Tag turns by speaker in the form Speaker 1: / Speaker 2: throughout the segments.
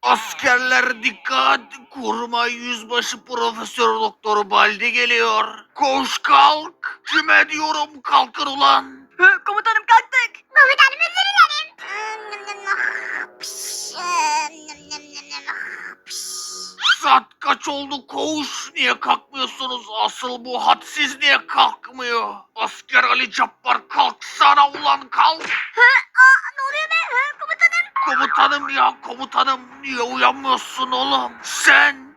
Speaker 1: Askerler dikkat! Kurmay Yüzbaşı Profesör Doktor Baldi geliyor. Koş kalk! Kime diyorum kalkın ulan!
Speaker 2: Komutanım kalktık.
Speaker 3: Komutanım özür dilerim.
Speaker 1: Saat kaç oldu koğuş? Niye kalkmıyorsunuz? Asıl bu hadsiz niye kalkmıyor? Asker Ali Cabbar kalksana ulan kalk!
Speaker 3: Ne oluyor be? Komutanım.
Speaker 1: Komutanım ya komutanım niye uyanmıyorsun oğlum? Sen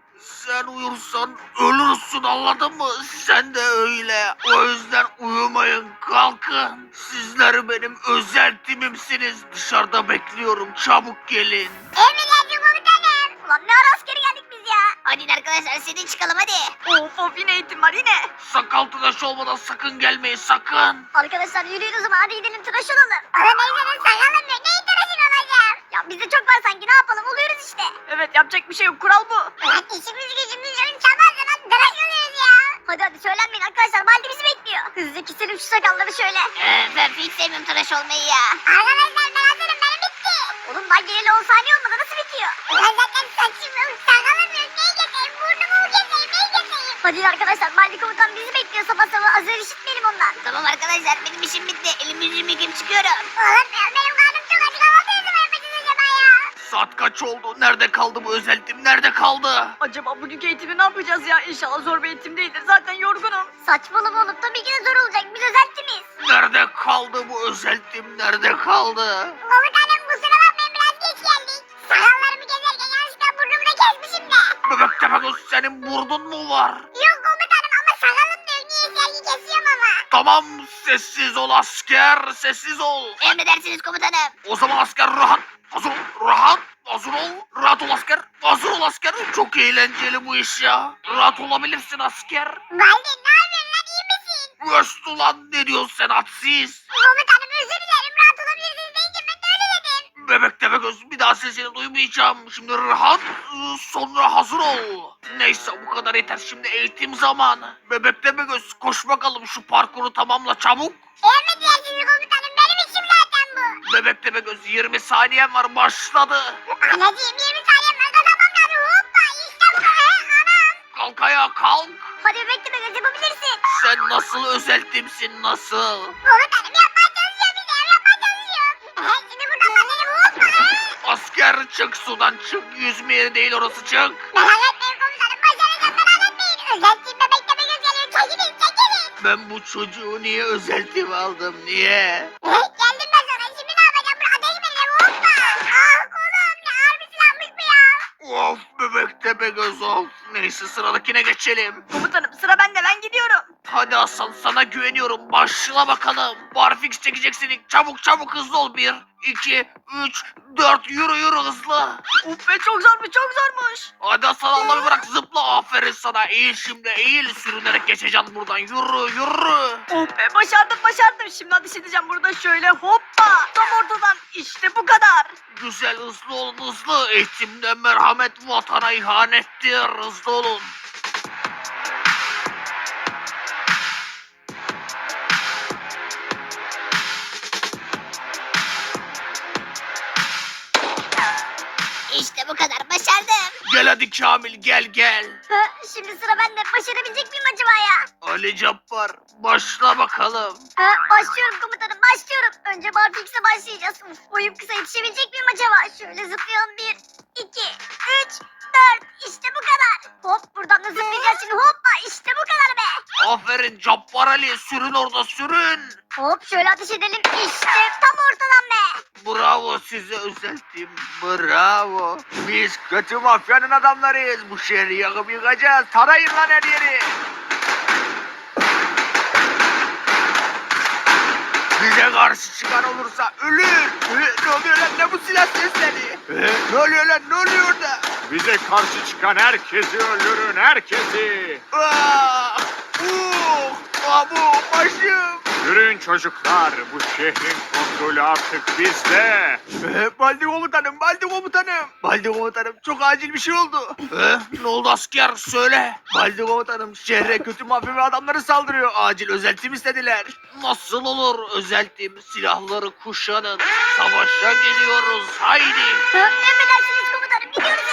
Speaker 1: uyursan ölürsün anladın mı? Sen de öyle. O yüzden uyumayın kalkın. Sizler benim özel timimsiniz. Dışarıda bekliyorum çabuk gelin.
Speaker 3: Emredersin komutanım. Ulan ne ara askere geldik biz ya? Hadi arkadaşlar sedin çıkalım hadi.
Speaker 2: Of yine eğitim var yine.
Speaker 1: Sakal tıraş olmadan sakın gelmeyin sakın.
Speaker 3: Arkadaşlar yürüyün o zaman hadi gidelim tıraş olalım. Ama neyse sakalım yok. Neyin tıraşın olacağım? Ya bizde çok var sanki ne yapalım oluyoruz işte.
Speaker 2: Evet yapacak bir şey yok, kural bu.
Speaker 3: Ulan işimiz gücümüz yok sabahtan hadi tıraş oluyoruz ya. Hadi söylenmeyin arkadaşlar Baldi bizi bekliyor. Hızlıca keselim şu sakalları şöyle.
Speaker 4: Ben hiç sevmiyorum tıraş olmayı ya.
Speaker 3: Arkadaşlar ben hazırım benim bitti. Oğlum daha geleli 10 saniye olmadı nasıl bitiyor? Ulan zaten saçım yok sakalım yok. Neyi keseyim burnumu mu keseyim neyi keseyim? Hadi arkadaşlar Baldi komutan bizi bekliyor sabah sabah azar işitmeyelim ondan.
Speaker 4: Tamam arkadaşlar benim işim bitti. Elimi yüzümü yıkayıp çıkıyorum.
Speaker 3: Oğlum ya benim karnım çok acı kahvaltı ne zaman yapacağız acaba ya?
Speaker 1: Saat kaç oldu? Nerede kaldı bu özel tim? Nerede kaldı?
Speaker 2: Acaba bugünkü eğitimi ne yapacağız ya? İnşallah zor bir eğitim değildir. Zaten yorgunum.
Speaker 3: Saçmalama oğlum tabii ki de zor olacak biz özeltimiz.
Speaker 1: Nerede kaldı bu özel tim? Nerede kaldı?
Speaker 3: Komutanım kusura bakmayın biraz geç geldik. Sakallarımı gezerken yanlışlıkla burnumu da kesmişim de.
Speaker 1: Bebek Tepegöz senin burnun mu var?
Speaker 3: Yok komutanım ama sakalım da yok niye sergi kesiyorum ama.
Speaker 1: Tamam sessiz ol asker sessiz ol.
Speaker 4: Emredersiniz komutanım.
Speaker 1: O zaman asker rahat. Hazır ol rahat. Hazır ol. Rahat ol asker. Hazır ol asker. Çok eğlenceli bu iş ya. Rahat olabilirsin asker.
Speaker 3: Baldi ne yapıyorsun lan iyi misin?
Speaker 1: Öst ulan ne diyorsun sen hadsiz?
Speaker 3: Komutanım özür dilerim rahat olabilirsiniz deyince ben de öyle dedim.
Speaker 1: Bebek Tepegöz bir daha sesini duymayacağım. Şimdi rahat sonra hazır ol. Neyse bu kadar yeter şimdi eğitim zamanı. Bebek Tepegöz koş bakalım şu parkuru tamamla çabuk.
Speaker 3: Emredersiniz komutanım benim işim zaten bu.
Speaker 1: Bebek Tepegöz 20 saniyen var başladı.
Speaker 3: Anacığım 20 saniyem var kazanmam lazım hoppa işte bu anam.
Speaker 1: Kalk ayağa kalk.
Speaker 3: Hadi bekle be yapabilirsin.
Speaker 1: Sen nasıl özel timsin nasıl?
Speaker 3: Komutanım yapmaya çalışıyorum bir de yapmaya çalışıyorum. Şimdi buradan başlayalım hoppa.
Speaker 1: Asker çık sudan çık. Yüzme yeri değil orası çık.
Speaker 3: Merak etmeyin komutanım başaracağım merak etmeyin. Özelliğim bebekte bir göz geliyor çekilin çekilin.
Speaker 1: Ben bu çocuğu niye özel tim aldım niye?
Speaker 3: Geldim ben sana şimdi ne yapacağım bunu ateş mi edeceğim hoppa. Ah kolum ne ağır bir silahmış bu ya.
Speaker 1: Of bebek Tepegöz of. Neyse sıradakine geçelim.
Speaker 2: Komutanım sıra bende, ben gidiyorum.
Speaker 1: Hadi Hasan sana güveniyorum. Başla bakalım. Barfix çekeceksin. Çabuk çabuk hızlı ol. 1, 2, 3, 4 yürü hızlı.
Speaker 2: Uf be çok zormuş, çok zormuş.
Speaker 1: Hadi Hasan Allah'ı bırak zıpla. Aferin sana. Eğil şimdi eğil. Sürünerek geçeceksin buradan. Yürü.
Speaker 2: Of be başardım. Şimdi ateş edeceğim burada şöyle hoppa. Tam ortadan işte bu kadar.
Speaker 1: Güzel hızlı olun hızlı. Eğitimde merhamet vatana ihanettir. Hızlı olun.
Speaker 4: İşte bu kadar başardım.
Speaker 1: Gel hadi Kamil gel.
Speaker 3: Şimdi sıra bende başarabilecek miyim acaba ya?
Speaker 1: Ali Cabbar başla bakalım.
Speaker 3: Başlıyorum komutanım başlıyorum. Önce barfix'e başlayacağız. Boyum kısa yetişebilecek miyim acaba? Şöyle zıplayalım 1, 2, 3, 4 işte bu kadar. Hop buradan da zıplayacağız şimdi hoppa işte bu kadar be.
Speaker 1: Aferin Cabbar Ali sürün orada sürün.
Speaker 3: Hop şöyle ateş edelim işte tam ortadan be.
Speaker 1: Bravo size özeltim. Bravo. Biz kötü mafyanın adamlarıyız. Bu şehri yakıp yıkacağız. Tarayın lan her yeri. Bize karşı çıkan olursa ölür. Ne oluyor lan ne bu silah sesleri? Ne oluyor lan ne oluyor da?
Speaker 5: Bize karşı çıkan herkesi öldürün, herkesi.
Speaker 1: Abu başım.
Speaker 5: Yürüyün çocuklar, bu şehrin kontrolü artık bizde.
Speaker 1: Baldi komutanım. Baldi komutanım çok acil bir şey oldu. Ne oldu asker söyle. Baldi komutanım şehre kötü mafya ve adamları saldırıyor. Acil özeltim istediler. Nasıl olur özeltim silahları kuşanın. Savaşa geliyoruz haydi.
Speaker 3: Emredersiniz komutanım gidiyoruz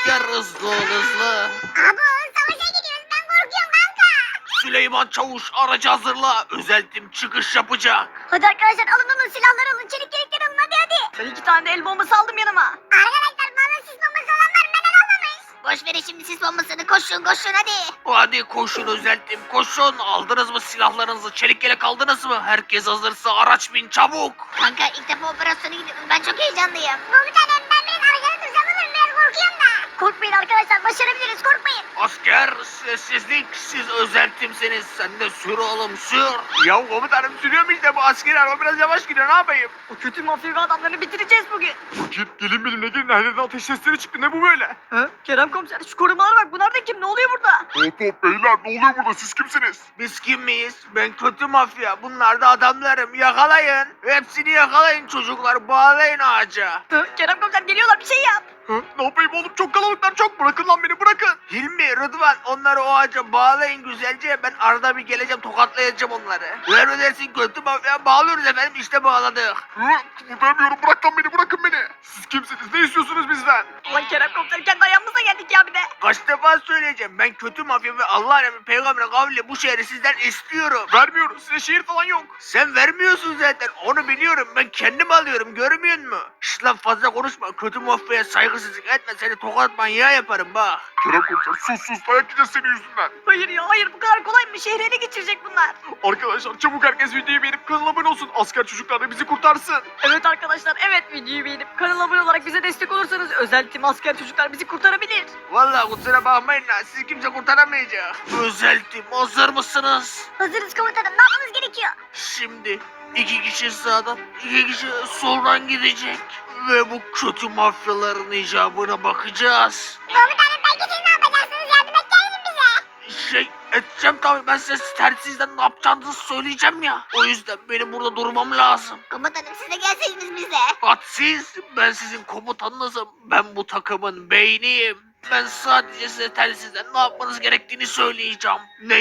Speaker 1: asker hızlı ol hızlı.
Speaker 3: Abo savaşa gidiyoruz ben korkuyorum kanka.
Speaker 1: Süleyman Çavuş aracı hazırla. Özel tim çıkış yapacak.
Speaker 3: Hadi arkadaşlar alın silahları alın çelik yelekleri alın hadi.
Speaker 2: Ben 2 tane de el bombası aldım yanıma.
Speaker 3: Arkadaşlar bana sis bombası olan var neden almamış?
Speaker 4: Boş verin şimdi sis bombasını, koşun koşun hadi.
Speaker 1: Hadi koşun özel tim koşun. Aldınız mı silahlarınızı? Çelik yelek aldınız mı? Herkes hazırsa araç bin çabuk.
Speaker 4: Kanka ilk defa operasyona gidiyorum, ben çok heyecanlıyım.
Speaker 3: Komutanım ben biraz arkada dursam olur mu? Biraz korkuyorum da. Korkmayın arkadaşlar başarabiliriz korkmayın.
Speaker 1: Asker sessizlik. Siz özel timsiniz. Sen de sür oğlum sür.
Speaker 5: Ya komutanım sürüyorum işte bu askeri araba biraz yavaş gidiyor ne yapayım?
Speaker 2: O kötü mafya ve adamlarını bitireceğiz bugün.
Speaker 5: Fakir gelin benimle gelin her yerden ateş sesleri çıktı ne bu böyle?
Speaker 2: Kerem komiser şu korumalara bak, bunlar da kim, ne oluyor burada?
Speaker 5: Hop hop beyler ne oluyor burada siz kimsiniz?
Speaker 1: Biz kim miyiz? Ben kötü mafya. Bunlar da adamlarım. Yakalayın. Hepsini yakalayın çocuklar. Bağlayın ağaca.
Speaker 2: Kerem komiser geliyorlar, bir şey yap.
Speaker 5: Ne yapayım oğlum çok kalabalıklar çok bırakın lan beni bırakın.
Speaker 1: Hilmi, Rıdvan onları o ağaca bağlayın güzelce. Ben arada bir geleceğim tokatlayacağım onları. Emredersin kötü mafya. Bağlıyoruz efendim işte bağladık.
Speaker 5: Kıpırdayamıyorum bırak lan beni bırakın beni. Siz kimsiniz ne istiyorsunuz bizden?
Speaker 2: Ulan Kerem komiser kendi ayağımıza geldik ya bir de.
Speaker 1: Kaç defa söyleyeceğim. Ben kötü mafya ve Allah emri peygamber kavli bu şehri sizden istiyorum.
Speaker 5: Vermiyoruz size şehir falan yok.
Speaker 1: Sen vermiyorsun zaten. Onu biliyorum. Ben kendim alıyorum. Görmüyor musun? Şşt lan fazla konuşma. Kötü mafyaya saygısızlık etme. Seni tokat manyağı yaparım bak.
Speaker 5: Kerem komiser sus dayak yiyeceğiz senin yüzünden.
Speaker 2: Hayır ya hayır, bu kadar kolay mı? Şehri ele geçirecek bunlar.
Speaker 5: Arkadaşlar çabuk herkes videoyu beğenip kanala abone olsun. Asker çocuklar da bizi kurtarsın.
Speaker 2: Evet arkadaşlar, evet, videoyu beğenip kanala abone olarak bize destek olursanız özel tim asker çocuklar bizi kurtarabilir.
Speaker 1: Vallahi kusura bakmayın lan. Sizi kimse kurtaramayacak. Özel tim hazır mısınız?
Speaker 3: Hazırız komutanım ne yapmamız gerekiyor?
Speaker 1: Şimdi 2 kişi sağdan, 2 kişi soldan gidecek. Ve bu kötü mafyaların icabına bakacağız.
Speaker 3: Komutanım belki siz ne yapacaksınız yardım edeceksiniz bize.
Speaker 1: Edeceğim tabii. Ben size tersizden ne yapacağınızı söyleyeceğim ya. O yüzden benim burada durmam lazım.
Speaker 4: Komutanım siz de gelseydiniz bizle.
Speaker 1: Siz, ben sizin komutanınızım. Ben bu takımın beyniyim. Ben sadece size telsizden ne yapmanız gerektiğini söyleyeceğim.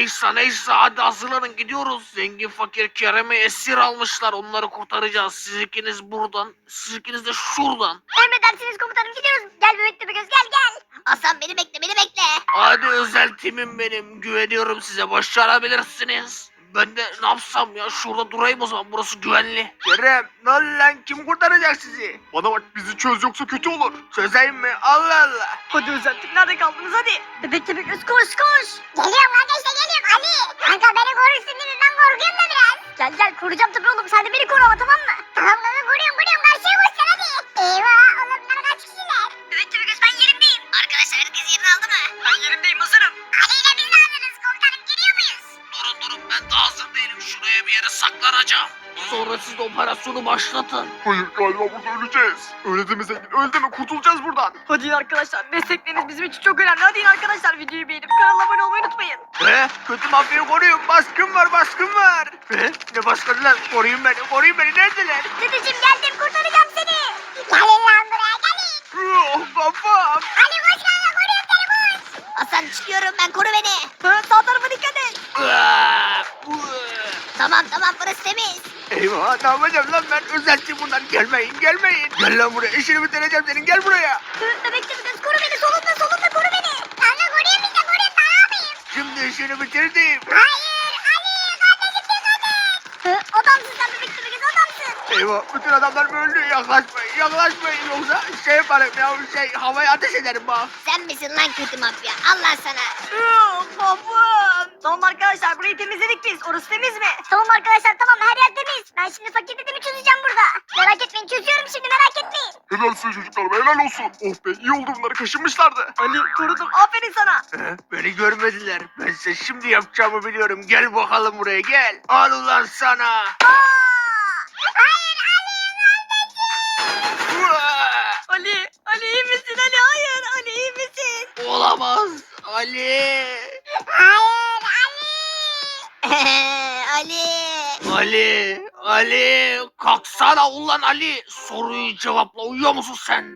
Speaker 1: Neyse hadi hazırlanın gidiyoruz. Zengin fakir Kerem'i esir almışlar. Onları kurtaracağız. Siz ikiniz buradan, siz ikiniz de şuradan.
Speaker 3: Emredersiniz komutanım gidiyoruz. Gel bebek göz gel.
Speaker 4: Aslan beni bekle, beni bekle.
Speaker 1: Hadi özel timim benim. Güveniyorum size. Başarabilirsiniz. Ben de ne yapsam ya? Şurada durayım o zaman. Burası güvenli. Kerem, ne oldu lan? Kim kurtaracak sizi?
Speaker 5: Bana bak bizi çöz yoksa kötü olur.
Speaker 1: Çözeyim mi? Allah Allah.
Speaker 2: Hadi özel tim, nerede kaldınız hadi.
Speaker 3: Bebek göz koş. Geliyorum kardeşler geliyorum Ali. Kanka beni korursun değil mi? Ben korkuyorum da biraz. Gel koruyacağım tabii oğlum. Sen de beni koru ama tamam mı? Tamam kanka koruyorum. Karşıya koşsan hadi. Eyvah oğlum bunlar kaç kişiler?
Speaker 4: Evet göz ben yerimdeyim. Arkadaşlar herkes yerini aldı mı?
Speaker 2: Ben yerimdeyim, hazırım.
Speaker 3: Ali ile biz de hazırız komutanım geliyor muyuz?
Speaker 1: Durun ben de hazır değilim. Şuraya bir yere saklanacağım. Sonra siz de operasyonu başlatın.
Speaker 5: Hayır galiba burada öleceğiz. Öyle deme zengin öyle deme kurtulacağız buradan.
Speaker 2: Hadi in arkadaşlar, destekleriniz bizim için çok önemli. Hadi in arkadaşlar, videoyu beğenip kanala abone olmayı unutmayın.
Speaker 1: Kötü mafyayı koruyun. Baskın var. Ne baskını lan? Koruyun beni. Neredeler?
Speaker 3: Dedeciğim geldim kurtaracağım seni. Gelin lan buraya gelin.
Speaker 1: Kafam.
Speaker 3: Ali koş kanka koruyorum seni koş.
Speaker 4: Aslan çıkıyorum ben, koru beni.
Speaker 2: Sağ tarafa dikkat et.
Speaker 4: Tamam burası temiz.
Speaker 1: Eyvah ne yapacağım lan ben? Özeltim bunlar. Gelmeyin. Gel lan buraya. İşini bitireceğim senin. Gel buraya.
Speaker 3: Bebek göz koru beni solunda koru beni. Kanka koruyorum işte koruyorum daha ne yapayım?
Speaker 1: Şimdi işini bitirdim.
Speaker 3: Hayır Ali kardeşim dikkat et. Adamsın sen bebek göz adamsın.
Speaker 1: Eyvah bütün adamlar öldü. Yaklaşmayın yoksa yaparım ya. Havaya ateş ederim bak.
Speaker 4: Sen misin lan kötü mafya? Allah sana.
Speaker 2: Babam. Tamam arkadaşlar, burayı temizledik biz. Orası temiz mi?
Speaker 3: Tamam arkadaşlar tamam her yer temiz. Ben şimdi fakir dedemi çözeceğim burada. Merak etmeyin çözüyorum şimdi merak etmeyin.
Speaker 5: Helal size çocuklar helal olsun. Oh be iyi oldu bunları kaşınmışlardı.
Speaker 2: Ali korudum, aferin sana.
Speaker 1: Beni görmediler. Ben size şimdi yapacağımı biliyorum. Gel bakalım buraya gel. Al ulan sana.
Speaker 2: Ali iyi misin Ali? Hayır Ali iyi misin?
Speaker 1: Olamaz. Ali.
Speaker 4: Ali.
Speaker 1: Ali. Kalksana ulan Ali. Soruyu cevapla. Uyuyor musun sen?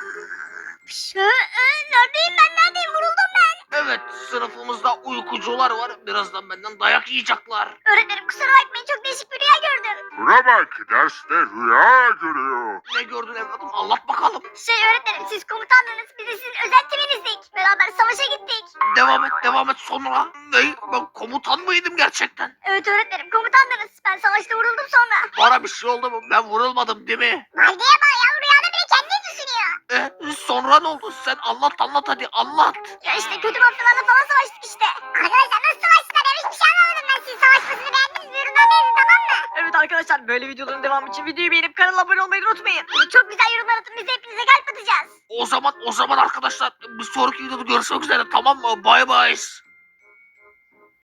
Speaker 3: Neredeyim neredeyim vuruldum ben.
Speaker 1: Evet sınıfımızda uykucular var. Birazdan benden dayak yiyecekler.
Speaker 3: Öğretmenim kusura bakmayın çok değişik bir rüya gördüm.
Speaker 5: Şuna bak, derste rüya görüyor.
Speaker 1: Ne gördün evladım? Anlat bakalım.
Speaker 3: Öğretmenim siz komutandınız. Biz de sizin özel timinizdik. Beraber savaşa gittik.
Speaker 1: Devam et sonra. Ne? Ben komutan mıydım gerçekten?
Speaker 3: Evet öğretmenim komutandınız. Ben savaşta vuruldum sonra.
Speaker 1: Bana bir şey oldu mu? Ben vurulmadım değil mi?
Speaker 3: Valdeye bak ya rüyada bile kendini düşünüyor.
Speaker 1: Sonra ne oldu? Sen anlat hadi anlat.
Speaker 3: Ya işte kötü mafyalarla falan savaştık işte. Arkadaşlar nasıl savaştılar ya hiçbir şey anlamadım ben. Siz savaşmasını beğendiniz mi? Yorumlarda yazın tamam mı?
Speaker 2: Evet arkadaşlar böyle videoların devamı için videoyu beğenip kanala abone olmayı unutmayın.
Speaker 3: Bunu çok güzel yorumlar atın biz hepinize kalp atacağız.
Speaker 1: O zaman arkadaşlar bir sonraki videoda görüşmek üzere, tamam mı? Bay bay.